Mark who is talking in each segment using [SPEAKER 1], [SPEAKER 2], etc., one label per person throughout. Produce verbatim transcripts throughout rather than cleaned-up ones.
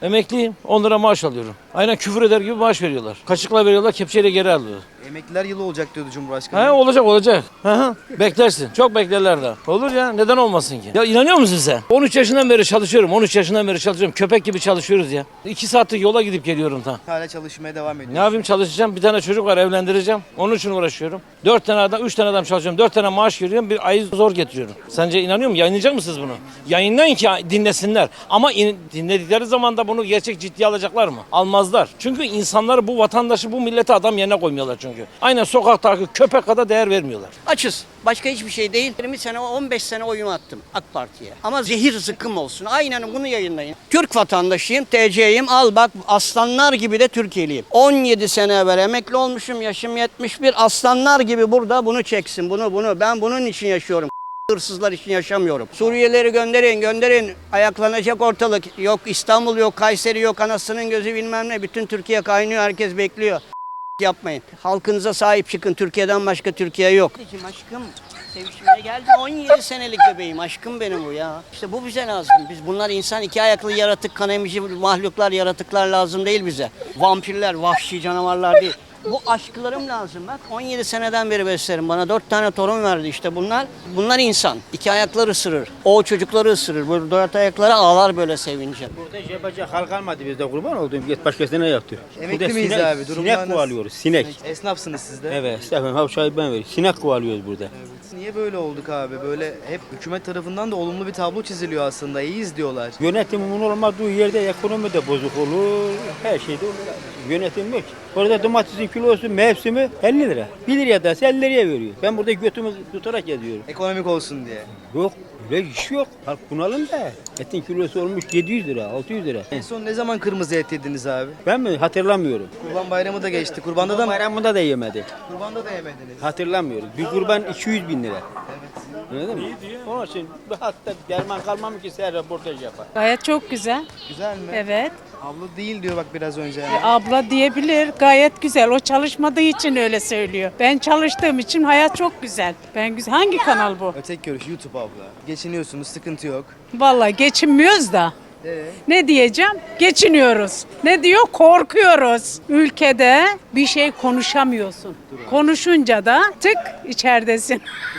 [SPEAKER 1] Emekliyim. on lira maaş alıyorum. Aynen küfür eder gibi maaş veriyorlar. Kaşıkla veriyorlar, kepçeyle geri alıyor.
[SPEAKER 2] Emekliler yılı olacak diyordu Cumhurbaşkanı.
[SPEAKER 1] He, olacak olacak. Hı hı. Beklersin. Çok beklerler de. Olur ya. Neden olmasın ki? Ya inanıyor musun sen? on üç yaşından beri çalışıyorum. on üç yaşından beri çalışıyorum. Köpek gibi çalışıyoruz ya. iki saatlik yola gidip geliyorum ta.
[SPEAKER 2] Hala çalışmaya devam ediyor.
[SPEAKER 1] Ne yapayım, çalışacağım. Bir tane çocuk var, evlendireceğim. Onun için uğraşıyorum. Dört tane adam, üç tane adam çalışıyorum. Dört tane maaş veriyorum. Bir ayı zor getiriyorum. Sence inanıyor musun? Yayınlayacak mısınız bunu? Yayınlayın ki dinlesinler. Ama in, dinledikleri zaman da bunu gerçek ciddiye alacaklar mı? Almazlar. Çünkü insanları, bu vatandaşı, bu milleti adam yerine koymuyorlar çünkü. Aynen sokaktaki köpek kadar değer vermiyorlar.
[SPEAKER 3] Açız. Başka hiçbir şey değil. yirmi sene, on beş sene oyumu attım AK Parti'ye. Ama zehir zıkkım olsun. Aynen bunu yayınlayın. Türk vatandaşıyım, T C'yim. Al bak, aslanlar gibi de Türkiye'liyim. on yedi sene evvel emekli olmuşum. Yaşım yetmiş bir. Aslanlar gibi burada bunu çeksin. Bunu bunu. Ben bunun için yaşıyorum. Hırsızlar için yaşamıyorum. Suriyelileri gönderin, gönderin. Ayaklanacak ortalık. Yok İstanbul, yok Kayseri, yok anasının gözü bilmem ne. Bütün Türkiye kaynıyor. Herkes bekliyor. Yapmayın. Halkınıza sahip çıkın. Türkiye'den başka Türkiye yok. Aşkım, sevişmeye geldi. on yedi senelik bebeğim. Aşkım benim bu ya. İşte bu bize lazım. Biz bunlar insan, iki ayaklı yaratık, kan emici mahluklar, yaratıklar lazım değil bize. Vampirler, vahşi canavarlar değil. Bu aşklarım lazım bak. on yedi seneden beri beslerim. Bana dört tane torun verdi işte bunlar. Bunlar insan. İki ayakları ısırır. O çocukları ısırır. Bu dört ayakları ağlar böyle sevince.
[SPEAKER 4] Burada yapacak hal kalmadı bizde, kurban olduğum. Git başkasına yaptır.
[SPEAKER 2] Emekli
[SPEAKER 4] Burada
[SPEAKER 2] miyiz
[SPEAKER 4] sinek,
[SPEAKER 2] abi? Durumlar
[SPEAKER 4] sinek
[SPEAKER 2] nasıl?
[SPEAKER 4] kovalıyoruz. Sinek.
[SPEAKER 2] Esnafsınız siz de.
[SPEAKER 4] Evet. Estağfurullah. Havşayı ben veriyorum. Sinek kovalıyoruz burada.
[SPEAKER 2] Evet. Niye böyle olduk abi? Böyle hep hükümet tarafından da olumlu bir tablo çiziliyor aslında. İyiyiz diyorlar.
[SPEAKER 4] Yönetimin olmadığı yerde ekonomi de bozuk olur. Her şey de olur. Yönetim yok. Orada domatesin kilosu, mevsimi elli lira. bir liraya da elli liraya veriyor. Ben burada götümü tutarak geziyorum.
[SPEAKER 2] Ekonomik olsun diye.
[SPEAKER 4] Yok. Öyle iş yok. Halk bunalım da. Etin kilosu olmuş yedi yüz lira, altı yüz lira.
[SPEAKER 2] En son ne zaman kırmızı et yediniz abi?
[SPEAKER 4] Ben mi? Hatırlamıyorum.
[SPEAKER 2] Kurban bayramı da geçti. Kurbanda da mı?
[SPEAKER 4] Bayramında da yemedi.
[SPEAKER 2] Kurbanda da yemediniz.
[SPEAKER 4] Hatırlamıyorum. Bir kurban iki yüz bin lira. Anladın mı? Onun için hatta derman kalmam ki sen röportaj yapar.
[SPEAKER 5] Gayet çok güzel.
[SPEAKER 2] Güzel mi?
[SPEAKER 5] Evet.
[SPEAKER 2] Abla değil diyor bak biraz önce.
[SPEAKER 5] E, abla diyebilir. Gayet güzel. O çalışmadığı için öyle söylüyor. Ben çalıştığım için hayat çok güzel. Ben güzel. Hangi kanal bu?
[SPEAKER 2] Ötek görüş YouTube abla. Geçiniyorsunuz, sıkıntı yok.
[SPEAKER 5] Vallahi geçinmiyoruz da.
[SPEAKER 2] Ee?
[SPEAKER 5] Ne diyeceğim? Geçiniyoruz. Ne diyor? Korkuyoruz. Ülkede bir şey konuşamıyorsun. Konuşunca da tık içeridesin.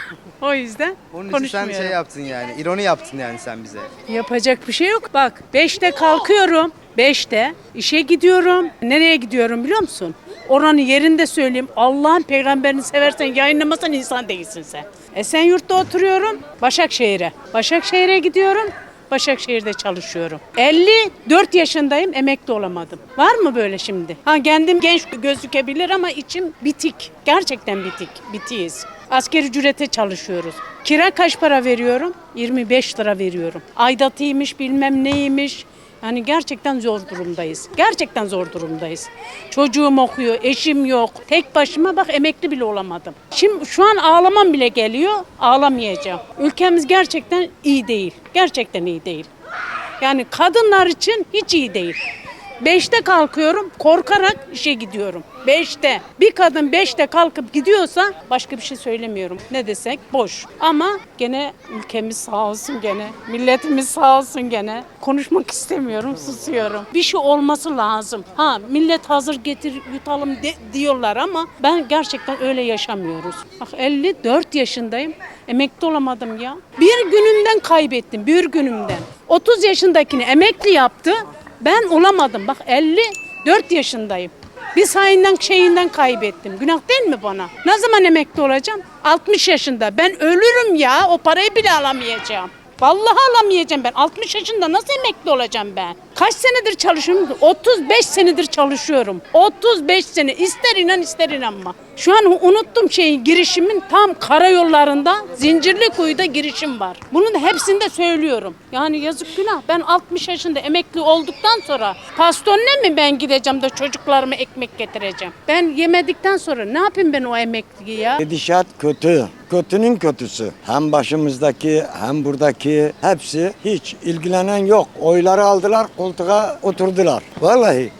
[SPEAKER 5] O yüzden
[SPEAKER 2] Onun için sen
[SPEAKER 5] konuşmuyorum.
[SPEAKER 2] şey yaptın yani. İroni yaptın yani sen bize.
[SPEAKER 5] Yapacak bir şey yok. Bak beşte kalkıyorum. beşte işe gidiyorum. Nereye gidiyorum biliyor musun? Oranın yerinde söyleyeyim. Allah'ın peygamberini seversen yayınlamasan insan değilsin sen. Esenyurt'ta oturuyorum. Başakşehir'e. Başakşehir'e gidiyorum. Başakşehir'de çalışıyorum. elli dört yaşındayım, emekli olamadım. Var mı böyle şimdi? Ha kendim genç gözükebilir ama içim bitik. Gerçekten bitik. Bitiyiz. Asgari ücrete çalışıyoruz. Kira kaç para veriyorum? yirmi beş lira veriyorum. Aidatıymış, bilmem neymiş. Yani gerçekten zor durumdayız. Gerçekten zor durumdayız. Çocuğum okuyor, eşim yok. Tek başıma bak emekli bile olamadım. Şimdi şu an ağlamam bile geliyor. Ağlamayacağım. Ülkemiz gerçekten iyi değil. Gerçekten iyi değil. Yani kadınlar için hiç iyi değil. Beşte kalkıyorum, korkarak işe gidiyorum. Beşte. Bir kadın beşte kalkıp gidiyorsa başka bir şey söylemiyorum. Ne desek boş. Ama gene ülkemiz sağ olsun gene. Milletimiz sağ olsun gene. Konuşmak istemiyorum, susuyorum. Bir şey olması lazım. Ha millet hazır getir yutalım de, diyorlar ama ben gerçekten öyle yaşamıyoruz. Bak elli dört yaşındayım. Emekli olamadım ya. Bir günümden kaybettim, bir günümden. otuz yaşındakini emekli yaptı. Ben olamadım. Bak elli dört yaşındayım. Bir sayından şeyinden kaybettim. Günah değil mi bana? Ne zaman emekli olacağım? altmış yaşında. Ben ölürüm ya. O parayı bile alamayacağım. Vallahi alamayacağım ben. altmış yaşında nasıl emekli olacağım ben? Kaç senedir çalışıyorum? otuz beş senedir çalışıyorum. otuz beş sene. İster inan ister inanma. Şu an unuttum şeyin girişimin tam karayollarında Zincirlikuyu'da girişim var. Bunu da hepsinde söylüyorum. Yani yazık günah. Ben altmış yaşında emekli olduktan sonra pastaneye mi ben gideceğim de çocuklarıma ekmek getireceğim? Ben yemedikten sonra ne yapayım ben o emekliyi ya?
[SPEAKER 6] Gidişat kötü. Kötünün kötüsü. Hem başımızdaki hem buradaki hepsi hiç ilgilenen yok. Oyları aldılar, koltuğa oturdular. Vallahi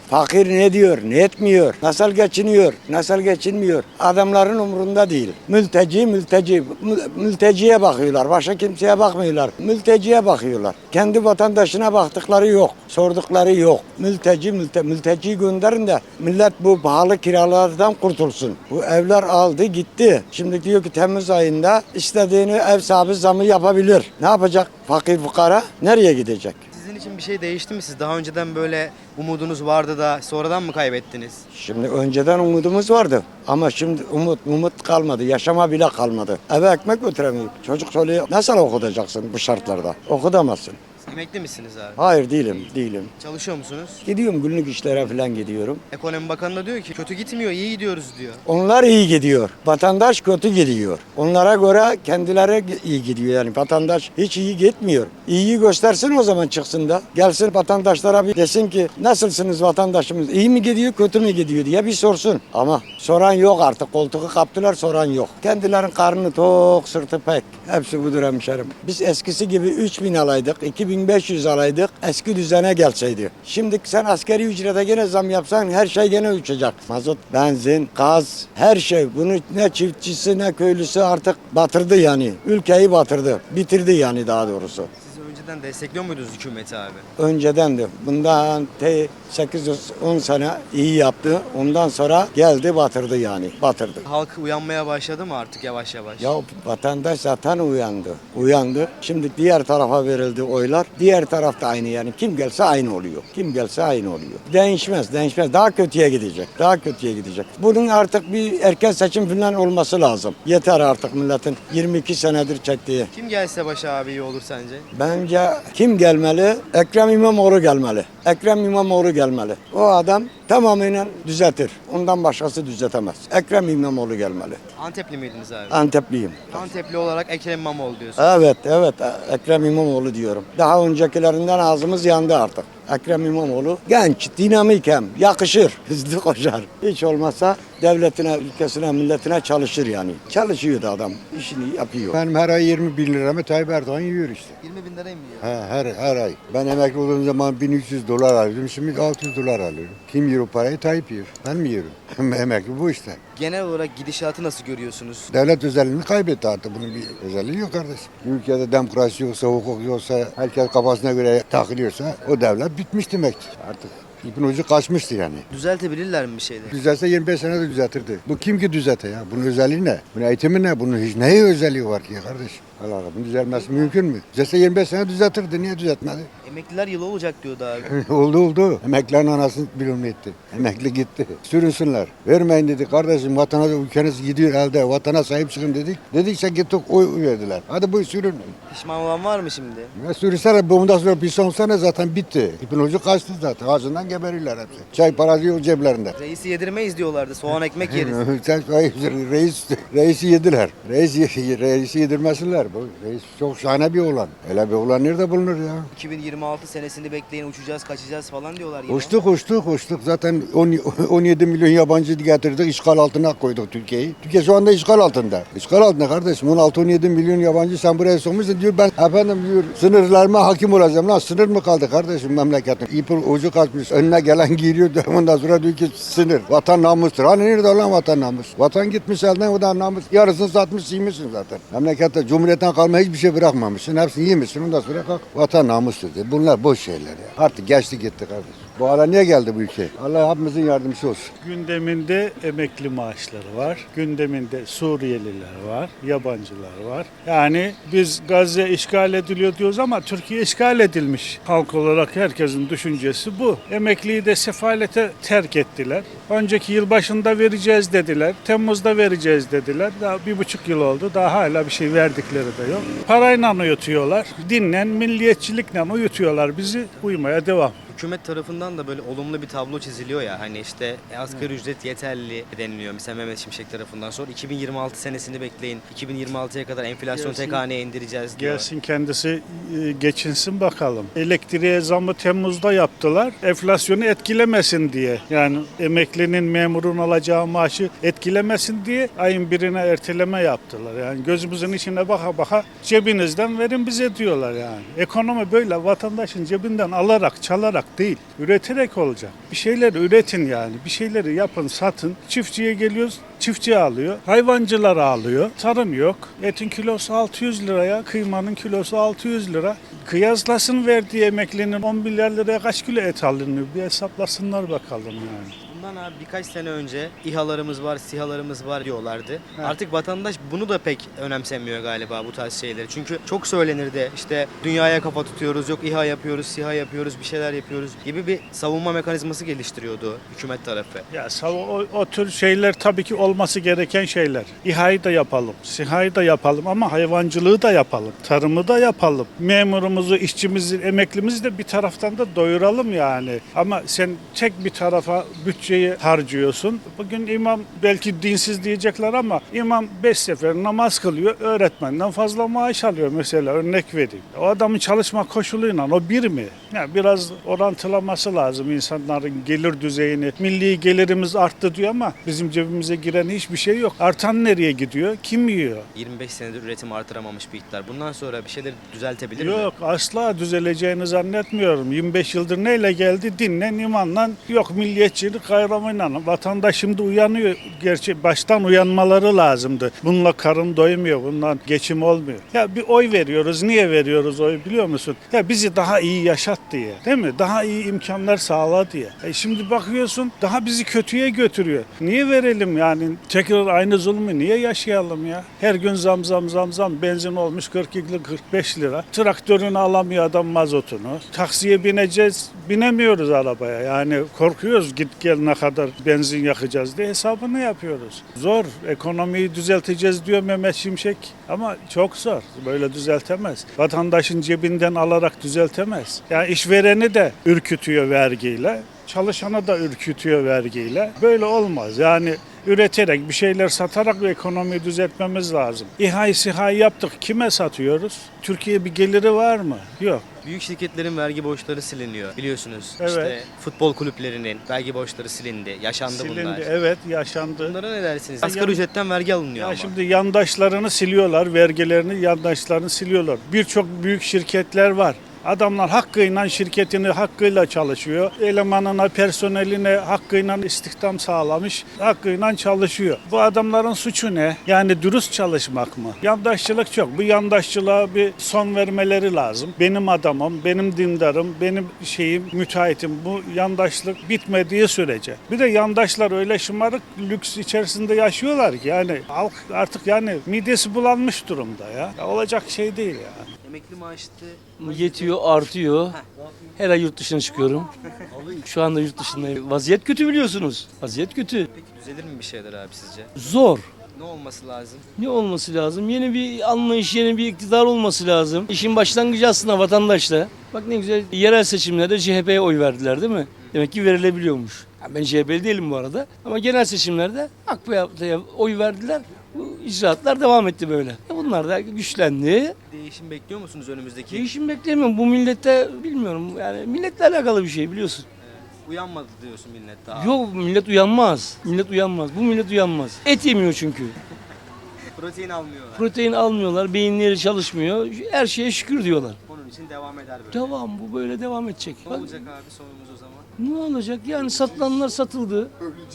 [SPEAKER 6] Fakir ne diyor, ne etmiyor, nasıl geçiniyor, nasıl geçinmiyor. Adamların umurunda değil. Mülteci, mülteci. Mül- Mülteciye bakıyorlar. Başka kimseye bakmıyorlar. Mülteciye bakıyorlar. Kendi vatandaşına baktıkları yok. Sordukları yok. Mülteci, mülte, mülteciyi gönderin de millet bu pahalı kiralardan kurtulsun. Bu evler aldı gitti. Şimdi diyor ki Temmuz ayında istediğini ev sahibi zamı yapabilir. Ne yapacak fakir fukara? Nereye gidecek?
[SPEAKER 2] Sizin için bir şey değişti mi? Siz daha önceden böyle umudunuz vardı da sonradan mı kaybettiniz?
[SPEAKER 6] Şimdi önceden umudumuz vardı ama şimdi umut umut kalmadı, yaşama bile kalmadı. Eve ekmek götüremiyor. Çocuk söylüyor, nasıl okutacaksın bu şartlarda? Okutamazsın.
[SPEAKER 2] Emekli misiniz abi?
[SPEAKER 6] Hayır değilim, değilim.
[SPEAKER 2] Çalışıyor musunuz?
[SPEAKER 6] Gidiyorum günlük işlere falan gidiyorum.
[SPEAKER 2] Ekonomi Bakanı da diyor ki kötü gitmiyor, iyi gidiyoruz diyor.
[SPEAKER 6] Onlar iyi gidiyor. Vatandaş kötü gidiyor. Onlara göre kendileri iyi gidiyor yani. Vatandaş hiç iyi gitmiyor. İyiyi göstersin o zaman çıksın da. Gelsin vatandaşlara bir desin ki nasılsınız vatandaşımız? İyi mi gidiyor, kötü mü gidiyor diye bir sorsun. Ama soran yok artık. Koltuğu kaptılar, soran yok. Kendilerin karnı tok, sırtı pek. Hepsi budur hemşerim. Biz eskisi gibi üç bin alaydık, iki bin beş yüz alaydık. Eski düzene gelseydi. Şimdi sen askeri ücrete gene zam yapsan her şey gene uçacak. Mazot, benzin, gaz, her şey. Bunu ne çiftçisi ne köylüsü artık batırdı yani. Ülkeyi batırdı. Bitirdi yani daha doğrusu.
[SPEAKER 2] Siz önceden destekliyor muydunuz hükümeti abi?
[SPEAKER 6] Önceden de bundan te sekiz on sene iyi yaptı. Ondan sonra geldi batırdı yani. Batırdı.
[SPEAKER 2] Halk uyanmaya başladı mı artık yavaş yavaş?
[SPEAKER 6] Ya vatandaş zaten uyandı. Uyandı. Şimdi diğer tarafa verildi oylar. Diğer tarafta aynı yani. Kim gelse aynı oluyor. Kim gelse aynı oluyor. Değişmez, değişmez. Daha kötüye gidecek. Daha kötüye gidecek. Bunun artık bir erken seçim falan olması lazım. Yeter artık milletin yirmi iki senedir çektiği.
[SPEAKER 2] Kim gelse başa abi iyi olur sence?
[SPEAKER 6] Bence kim gelmeli? Ekrem İmamoğlu gelmeli. Ekrem İmamoğlu gelmeli. O adam tamamen düzeltir. Ondan başkası düzeltemez. Ekrem İmamoğlu gelmeli.
[SPEAKER 2] Antepli miydiniz abi?
[SPEAKER 6] Antepliyim.
[SPEAKER 2] Antepli olarak Ekrem İmamoğlu diyorsun.
[SPEAKER 6] Evet, evet. Ekrem İmamoğlu diyorum. Daha öncekilerinden ağzımız yandı artık. Ekrem İmamoğlu genç, dinamik hem, yakışır, hızlı koşar. Hiç olmazsa devletine, ülkesine, milletine çalışır yani. Çalışıyor da adam, işini yapıyor.
[SPEAKER 7] Benim her ay yirmi bin liramı Tayyip Erdoğan yiyor işte.
[SPEAKER 2] yirmi bin lirayı mı yiyor?
[SPEAKER 7] He, her, her ay. Ben emekli olduğum zaman bin üç yüz dolar alıyordum. Şimdi altı yüz dolar alıyorum. Kim yiyor o parayı? Tayyip yiyor. Ben mi yiyorum? Emekli bu işte.
[SPEAKER 2] Genel olarak gidişatı nasıl görüyorsunuz?
[SPEAKER 7] Devlet özelliğini kaybetti artık. Bunun bir özelliği yok kardeşim. Ülkede demokrasi yoksa, hukuk yoksa, herkes kafasına göre takılıyorsa o devlet bitmiş demektir artık. İpin ucu kaçmıştı yani.
[SPEAKER 2] Düzeltebilirler mi bir şeyleri?
[SPEAKER 7] Düzelse yirmi beş senede düzeltirdi. Bu kim ki düzete ya? Bunun özelliği ne? Bunun eğitimi ne? Bunun hiç neye özelliği var ki ya kardeşim? Allah Allah. Bunun düzelmesi mümkün mü? Düzelse yirmi beş sene düzeltirdi. Niye düzeltmedi?
[SPEAKER 2] Emekliler yılı olacak diyordu abi.
[SPEAKER 7] oldu oldu. Emeklilerin anasını bilmem etti. Emekli gitti. Sürünsünler. Vermeyin dedi. Kardeşim vatana ülkeniz gidiyor elde. Vatana sahip çıkın dedik. Dedikçe gittik oy verdiler. Hadi bu sürün.
[SPEAKER 2] Pişman olan var mı şimdi?
[SPEAKER 7] Ya sürüsene bundan sonra bir son sene zaten bitti. İpin ucu kaçtı zaten. Ağzından geberirler hepsi. Çay parası yok ceplerinde.
[SPEAKER 2] Reisi yedirmeyiz diyorlardı. Soğan ekmek yeriz.
[SPEAKER 7] Sen reis, reisi yediler. Reis, reisi yedirmesinler. Bu reis çok şahane bir oğlan. Öyle bir oğlan nerede bulunur ya?
[SPEAKER 2] iki bin yirmi altı senesini bekleyin uçacağız kaçacağız falan diyorlar yine.
[SPEAKER 7] Uçtuk uçtuk uçtuk. Zaten on yedi milyon yabancı getirdik. İşgal altına koyduk Türkiye'yi. Türkiye şu anda işgal altında. İşgal altında kardeşim. on altı on yedi milyon yabancı sen buraya sokmuşsun diyor. Ben efendim diyor sınırlarıma hakim olacağım. Lan sınır mı kaldı kardeşim memleketin? İpin ucu kaçmış. Önüne gelen giriyor. Ondan sonra diyor ki sınır. Vatan namustur. Hani nerede lan vatan namus? Vatan gitmiş elden o da namus. Yarısını satmış yemişsin zaten. Memlekette cumhuriyetten kalma hiçbir şey bırakmamışsın. Hepsini yemişsin. Ondan sonra kalk. Vatan namustur. Bunlar boş şeyler ya. Artık geçti gitti kardeşim. Bu ara niye geldi bu ülke? Allah hepimizin yardımcısı olsun.
[SPEAKER 8] Gündeminde emekli maaşları var. Gündeminde Suriyeliler var, yabancılar var. Yani biz Gazze işgal ediliyor diyoruz ama Türkiye işgal edilmiş. Halk olarak herkesin düşüncesi bu. Emekliyi de sefalete terk ettiler. Önceki yıl başında vereceğiz dediler. Temmuz'da vereceğiz dediler. Daha bir buçuk yıl oldu. Daha hala bir şey verdikleri de yok. Parayla uyutuyorlar. Dinlen, milliyetçilikle uyutuyorlar bizi. Uyumaya devam.
[SPEAKER 2] Hükümet tarafından da böyle olumlu bir tablo çiziliyor ya hani işte asgari ücret yeterli deniliyor mesela Mehmet Şimşek tarafından sonra iki bin yirmi altı senesini bekleyin iki bin yirmi altıya kadar enflasyonu
[SPEAKER 8] Gelsin.
[SPEAKER 2] tek haneye indireceğiz diyor.
[SPEAKER 8] Gelsin kendisi e, geçinsin bakalım. Elektriğe zammı Temmuz'da yaptılar. Enflasyonu etkilemesin diye. Yani emeklinin, memurun alacağı maaşı etkilemesin diye ayın birine erteleme yaptılar. Yani gözümüzün içine baka baka cebinizden verin bize diyorlar yani. Ekonomi böyle vatandaşın cebinden alarak, çalarak alarak değil, üreterek olacak. Bir şeyler üretin yani. Bir şeyleri yapın, satın. Çiftçiye geliyoruz, çiftçi alıyor. Hayvancılar alıyor. Tarım yok. Etin kilosu altı yüz liraya, kıymanın kilosu altı yüz lira. Kıyaslasın verdiği emeklinin on milyar liraya kaç kilo et alınıyor? Bir hesaplasınlar bakalım yani.
[SPEAKER 2] Bundan abi birkaç sene önce İHA'larımız var, SİHA'larımız var diyorlardı. Artık vatandaş bunu da pek önemsemiyor galiba bu tarz şeyleri. Çünkü çok söylenirdi işte dünyaya kafa tutuyoruz, yok İHA yapıyoruz, SİHA yapıyoruz, bir şeyler yapıyoruz gibi bir savunma mekanizması geliştiriyordu hükümet tarafı.
[SPEAKER 8] Ya o, o tür şeyler tabii ki olması gereken şeyler. İHA'yı da yapalım, SİHA'yı da yapalım ama hayvancılığı da yapalım, tarımı da yapalım. Memurumuzu, işçimizi, emeklimizi de bir taraftan da doyuralım yani. Ama sen tek bir tarafa bütçe harcıyorsun. Bugün imam belki dinsiz diyecekler ama imam beş sefer namaz kılıyor. Öğretmenden fazla maaş alıyor mesela, örnek vereyim. O adamın çalışma koşuluyla o bir mi? Yani biraz orantılaması lazım insanların gelir düzeyini. Milli gelirimiz arttı diyor ama bizim cebimize giren hiçbir şey yok. Artan nereye gidiyor? Kim yiyor?
[SPEAKER 2] yirmi beş senedir üretim artıramamış bir iktidar. Bundan sonra bir şeyleri düzeltebilir mi?
[SPEAKER 8] Yok, asla düzeleceğini zannetmiyorum. yirmi beş yıldır neyle geldi? Dinle, imanla, yok milliyetçilik, kayramıyla. Vatandaş şimdi uyanıyor. Gerçi baştan uyanmaları lazımdı. Bununla karın doymuyor, bundan geçim olmuyor. Ya bir oy veriyoruz. Niye veriyoruz oy biliyor musun? Ya bizi daha iyi yaşat diye. Değil mi? Daha iyi imkanlar sağla diye. E şimdi bakıyorsun daha bizi kötüye götürüyor. Niye verelim yani? Tekrar aynı zulmü niye yaşayalım ya? Her gün zam zam zam zam. Benzin olmuş kırk iki kırk beş lira. Traktörünü alamıyor adam, mazotunu. Taksiye bineceğiz. Binemiyoruz arabaya. Yani korkuyoruz git gel ne kadar benzin yakacağız diye hesabını yapıyoruz. Zor. Ekonomiyi düzelteceğiz diyor Mehmet Şimşek ama çok zor. Böyle düzeltemez. Vatandaşın cebinden alarak düzeltemez. Yani işvereni de ürkütüyor vergiyle. Çalışanı da ürkütüyor vergiyle. Böyle olmaz. Yani üreterek, bir şeyler satarak bir ekonomiyi düzeltmemiz lazım. İHA'yı SİHA'yı yaptık. Kime satıyoruz? Türkiye bir geliri var mı? Yok.
[SPEAKER 2] Büyük şirketlerin vergi borçları siliniyor biliyorsunuz.
[SPEAKER 8] Evet.
[SPEAKER 2] İşte futbol kulüplerinin vergi borçları silindi. Yaşandı
[SPEAKER 8] Silindi,
[SPEAKER 2] bunlar.
[SPEAKER 8] evet yaşandı.
[SPEAKER 2] Bunlara ne dersiniz?
[SPEAKER 8] Ya
[SPEAKER 2] Asgari
[SPEAKER 8] yan-
[SPEAKER 2] ücretten vergi alınıyor
[SPEAKER 8] Ya
[SPEAKER 2] ama.
[SPEAKER 8] şimdi yandaşlarını siliyorlar, vergilerini yandaşlarını siliyorlar. Birçok büyük şirketler var. Adamlar hakkıyla şirketini hakkıyla çalışıyor. Elemanına, personeline hakkıyla istihdam sağlamış, hakkıyla çalışıyor. Bu adamların suçu ne? Yani dürüst çalışmak mı? Yandaşçılık çok. Bu yandaşçılığa bir son vermeleri lazım. Benim adamım, benim dindarım, benim şeyim, müteahhitim. Bu yandaşlık bitmediği sürece. Bir de yandaşlar öyle şımarık lüks içerisinde yaşıyorlar ki yani halk artık yani midesi bulanmış durumda ya. Ya olacak şey değil ya.
[SPEAKER 2] Emekli maaştı.
[SPEAKER 9] Yetiyor, artıyor. Her ay yurt dışına çıkıyorum. Şu anda yurt dışındayım. Vaziyet kötü biliyorsunuz. Vaziyet kötü.
[SPEAKER 2] Peki düzelir mi bir şeyler abi sizce?
[SPEAKER 9] Zor.
[SPEAKER 2] Ne olması lazım?
[SPEAKER 9] Ne olması lazım? Yeni bir anlayış, yeni bir iktidar olması lazım. İşin başlangıcı aslında vatandaşla. Bak ne güzel, yerel seçimlerde C H P'ye oy verdiler değil mi? Demek ki verilebiliyormuş. Ya ben C H P'li değilim bu arada. Ama genel seçimlerde A K P'ye oy verdiler. Bu icraatlar devam etti böyle. E bunlar da güçlendi.
[SPEAKER 2] Değişim bekliyor musunuz önümüzdeki?
[SPEAKER 9] Değişim beklemiyorum. Bu millette bilmiyorum. Yani milletle alakalı bir şey biliyorsun.
[SPEAKER 2] Uyanmadı diyorsun millet daha.
[SPEAKER 9] Yok millet uyanmaz. Millet uyanmaz. Bu millet uyanmaz. Et yemiyor çünkü.
[SPEAKER 2] Protein almıyorlar.
[SPEAKER 9] Protein almıyorlar. Beyinleri çalışmıyor. Her şeye şükür diyorlar.
[SPEAKER 2] Onun için devam eder böyle.
[SPEAKER 9] Devam bu böyle devam edecek.
[SPEAKER 2] Ne
[SPEAKER 9] Bak,
[SPEAKER 2] olacak abi sonumuz o zaman?
[SPEAKER 9] ne olacak? Yani satılanlar satıldı.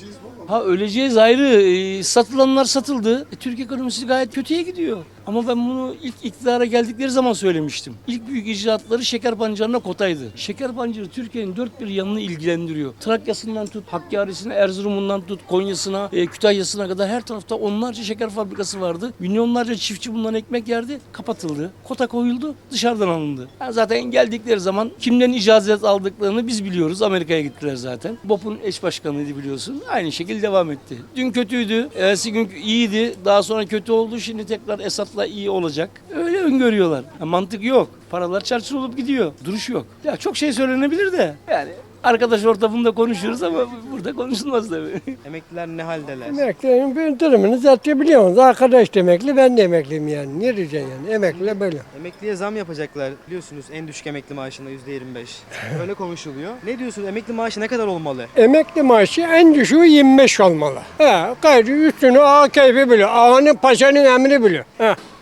[SPEAKER 9] Ha öleceğiz ayrı. Ee, satılanlar satıldı. E, Türk ekonomisi gayet kötüye gidiyor. Ama ben bunu ilk iktidara geldikleri zaman söylemiştim. İlk büyük icraatları şeker pancarına kotaydı. Şeker pancarı Türkiye'nin dört bir yanını ilgilendiriyor. Trakya'sından tut, Hakkari'sine, Erzurum'undan tut, Konya'sına, e, Kütahya'sına kadar her tarafta onlarca şeker fabrikası vardı. Milyonlarca çiftçi bundan ekmek yerdi. Kapatıldı. Kota koyuldu. Dışarıdan alındı. Yani zaten geldikleri zaman kimden icazet aldıklarını biz biliyoruz. Amerika'ya gittiler zaten. B O P'un eş başkanıydı biliyorsun. Aynı şekilde devam etti. Dün kötüydü. Ertesi gün iyiydi. Daha sonra kötü oldu. Şimdi tekrar Esad'la iyi olacak. Öyle öngörüyorlar. Ya mantık yok. Paralar çarçur olup gidiyor. Duruş yok. Ya çok şey söylenebilir de. Yani arkadaş ortamında konuşuyoruz ama burada konuşulmaz tabii.
[SPEAKER 2] Emekliler ne haldeler?
[SPEAKER 10] Emeklilerin bir durumunu zaten biliyorsunuz. Arkadaş da emekli, ben de emekliyim yani. Ne diyeceksin yani? Emekli böyle.
[SPEAKER 2] Emekliye zam yapacaklar biliyorsunuz en düşük emekli maaşında yüzde yirmi beş. Öyle konuşuluyor. Ne diyorsunuz emekli maaşı ne kadar olmalı?
[SPEAKER 10] Emekli maaşı en düşüğü yirmi beş olmalı. He, gayrı üstünü ağa keyfi biliyor. Ağanın paşanın emri biliyor. He.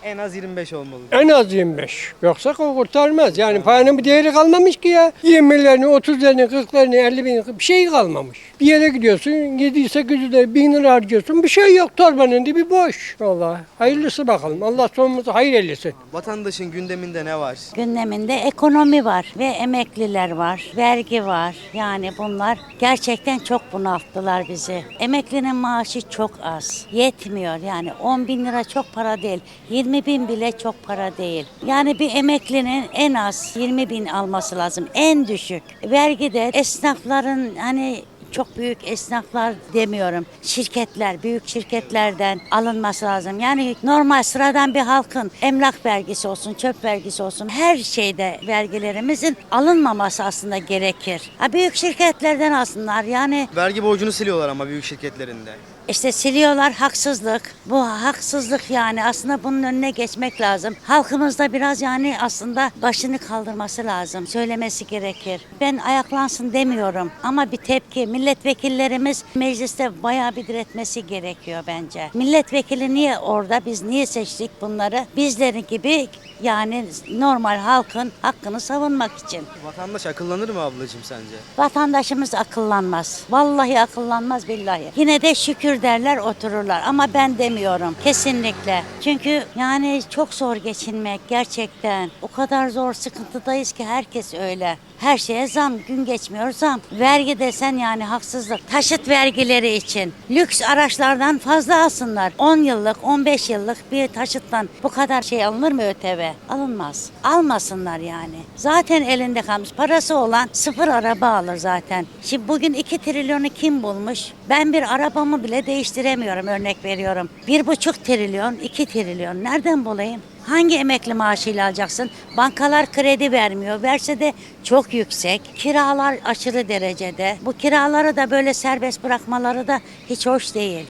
[SPEAKER 2] En az yirmi beş olmalı.
[SPEAKER 10] En az yirmi beş. Yoksa o kurtarmaz. Yani paranın bir değeri kalmamış ki ya. yirmilerini, otuzlarını, kırklarını, elli bin bir şey kalmamış. Bir yere gidiyorsun, yedi sekiz yüz lira, bin lira harcıyorsun. Bir şey yok, torbanın dibi boş. Vallahi hayırlısı bakalım. Allah sonumuzu hayır eylesin.
[SPEAKER 2] Vatandaşın gündeminde ne var?
[SPEAKER 11] Gündeminde ekonomi var ve emekliler var, vergi var. Yani bunlar gerçekten çok bunalttılar bizi. Emeklinin maaşı çok az, yetmiyor yani on bin lira çok para değil, yirmi bin bile çok para değil. Yani bir emeklinin en az yirmi bin alması lazım, en düşük. Vergi de esnafların hani çok büyük esnaflar demiyorum. Şirketler, büyük şirketlerden alınması lazım. Yani normal sıradan bir halkın emlak vergisi olsun, çöp vergisi olsun her şeyde vergilerimizin alınmaması aslında gerekir. Ha, büyük şirketlerden alsınlar yani.
[SPEAKER 2] Vergi borcunu siliyorlar ama büyük şirketlerinde.
[SPEAKER 11] İşte siliyorlar, haksızlık. Bu haksızlık yani aslında bunun önüne geçmek lazım. Halkımızda biraz yani aslında başını kaldırması lazım. Söylemesi gerekir. Ben ayaklansın demiyorum ama bir tepki. Milletvekillerimiz mecliste bayağı bir diretmesi gerekiyor bence. Milletvekili niye orada? Biz niye seçtik bunları? Bizleri gibi yani normal halkın hakkını savunmak için.
[SPEAKER 2] Vatandaş akıllanır mı ablacığım sence?
[SPEAKER 11] Vatandaşımız akıllanmaz. Vallahi akıllanmaz billahi. Yine de şükür derler otururlar ama ben demiyorum kesinlikle. Çünkü yani çok zor geçinmek gerçekten. O kadar zor sıkıntıdayız ki herkes öyle. Her şeye zam, gün geçmiyor zam. Vergi desen yani haksızlık. Taşıt vergileri için lüks araçlardan fazla alsınlar. on yıllık, on beş yıllık bir taşıttan bu kadar şey alınır mı ÖTV? Alınmaz. Almasınlar yani. Zaten elinde kalmış. Parası olan sıfır araba alır zaten. Şimdi bugün iki trilyonu kim bulmuş? Ben bir arabamı bile değiştiremiyorum, örnek veriyorum. Bir buçuk trilyon, iki trilyon. Nereden bulayım? Hangi emekli maaşıyla alacaksın? Bankalar kredi vermiyor. Verse de çok yüksek. Kiralar aşırı derecede. Bu kiraları da böyle serbest bırakmaları da hiç hoş değil.